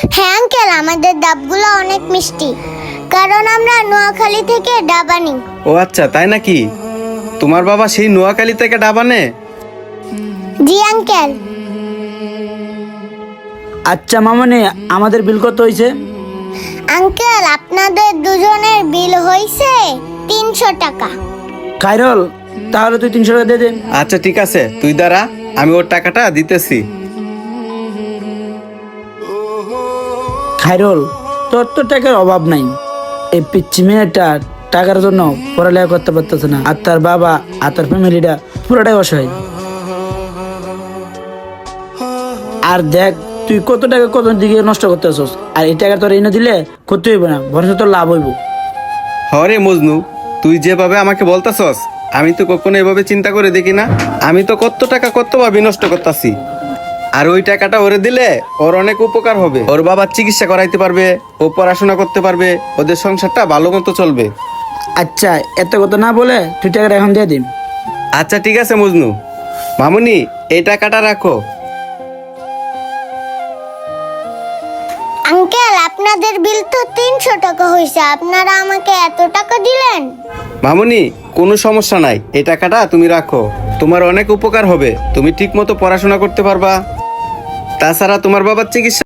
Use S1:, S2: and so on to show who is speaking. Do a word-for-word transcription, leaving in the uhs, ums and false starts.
S1: হ্যাঁ আঙ্কেল, আমাদের ডাবগুলো অনেক মিষ্টি, কারণ আমরা নোয়াখালী থেকে ডাব আনি।
S2: ও আচ্ছা, তাই নাকি? তোমার বাবা সেই নোয়াখালী থেকে ডাব আনে?
S1: জি আঙ্কেল।
S3: আচ্ছা মামনি, আমাদের বিল কত হয়েছে?
S1: আঙ্কেল, আপনাদের দুজনের বিল হয়েছে তিনশো টাকা।
S3: খাইরুল, তাহলে তুই তিনশো টাকা দিয়ে দে।
S2: আচ্ছা ঠিক আছে, তুই দাঁড়া, আমি ওর টাকাটা দিতেছি।
S3: খাইরুল, তোর তো টাকার অভাব নাই। এই পিচ্ছি মেয়েটা টাকার জন্য পড়ালেখা করতে পারতেছে না, আর তার বাবা আর তার ফ্যামিলিটা পুরোটাই অসহায়। আর দেখ তুই কত টাকা কত দিকে নষ্ট করতেছস, আর এই টাকা তোর এনে দিলে ক্ষতি হইব না, বরঞ্চ তোর লাভ হইব।
S2: হরে মজনু, তুই যেভাবে আমাকে বলতাছস, আমি তো কখনো এভাবে চিন্তা করে দেখি না। আমি তো কত টাকা কত ভাবে নষ্ট করতেছি, আর ওই টাকাটা ওরে দিলে ওর অনেক উপকার হবে। ওর বাবার চিকিৎসা করাইতে পারবে, ও পড়াশোনা করতে পারবে, ওদের সংসারটা ভালো মতো চলবে।
S3: আচ্ছা, এত কথা না বলে তুই টাকাটা এখন দিয়ে দিন।
S2: আচ্ছা ঠিক আছে মজনু। মামুনি, এই টাকাটা রাখো।
S1: আঙ্কেল, আপনাদের বিল তো তিনশো টাকা হয়েছে, আপনারা আমাকে এত টাকা দিলেন।
S2: মামুনি, কোনো সমস্যা নাই, এই টাকাটা তুমি রাখো। তোমার অনেক উপকার হবে, তুমি ঠিক মতো পড়াশোনা করতে পারবা। তাছাড়া তোমার বাবার চিকিৎসা